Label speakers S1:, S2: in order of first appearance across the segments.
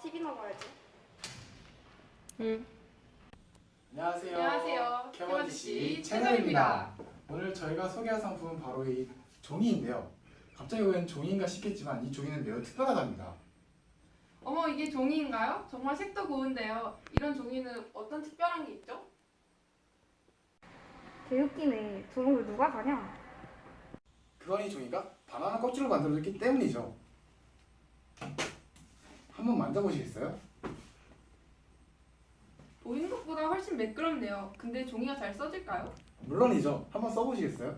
S1: TV나 봐야지.
S2: 응.
S3: 안녕하세요.
S2: 안녕하세요.
S3: 캐머지씨
S2: 채널입니다.
S3: 오늘 저희가 소개할 상품은 바로 이 종이인데요. 갑자기 웬 종이인가 싶겠지만 이 종이는 매우 특별하답니다.
S2: 어머, 이게 종이인가요? 정말 색도 고운데요. 이런 종이는 어떤 특별한 게 있죠?
S1: 개웃기네. 저런 걸 누가 사냐?
S3: 그건 이 종이가 바나나 껍질로 만들어졌기 때문이죠. 한번 만져보시겠어요?
S2: 보이는 것보다 훨씬 매끄럽네요. 근데 종이가 잘 써질까요?
S3: 물론이죠. 한번 써보시겠어요?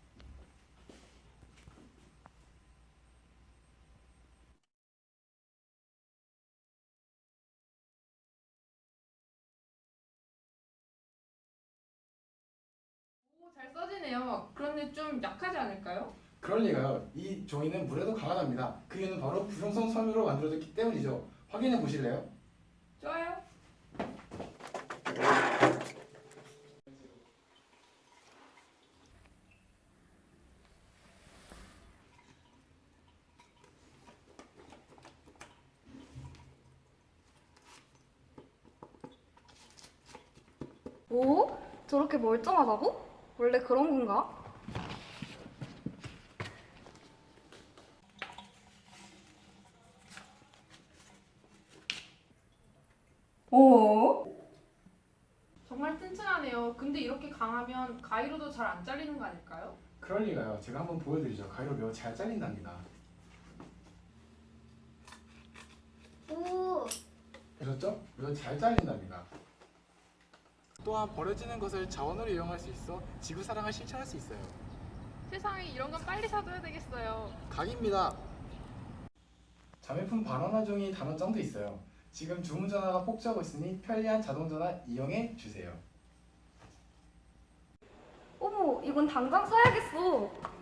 S2: 오, 잘 써지네요. 그런데 좀 약하지 않을까요?
S3: 그럴 리가요. 이 종이는 물에도 강하답니다. 그 이유는 바로 부용성 섬유로 만들어졌기 때문이죠. 확인해 보실래요?
S2: 좋아요.
S1: 오? 저렇게 멀쩡하다고? 원래 그런 건가? 오?
S2: 정말 튼튼하네요. 근데 이렇게 강하면 가위로도 잘 안 잘리는 거 아닐까요?
S3: 그럴 리가요. 제가 한번 보여드리죠. 가위로 매우 잘 잘린답니다.
S1: 오.
S3: 보셨죠? 매우 잘 잘린답니다. 또한 버려지는 것을 자원으로 이용할 수 있어 지구 사랑을 실천할 수 있어요.
S2: 세상에 이런 건 빨리 사둬야 되겠어요.
S3: 각입니다. 자매품 바나나 종이 단어장도 있어요. 지금 주문 전화가 폭주하고 있으니 편리한 자동 전화 이용해 주세요.
S1: 어머, 이건 당장 사야겠어.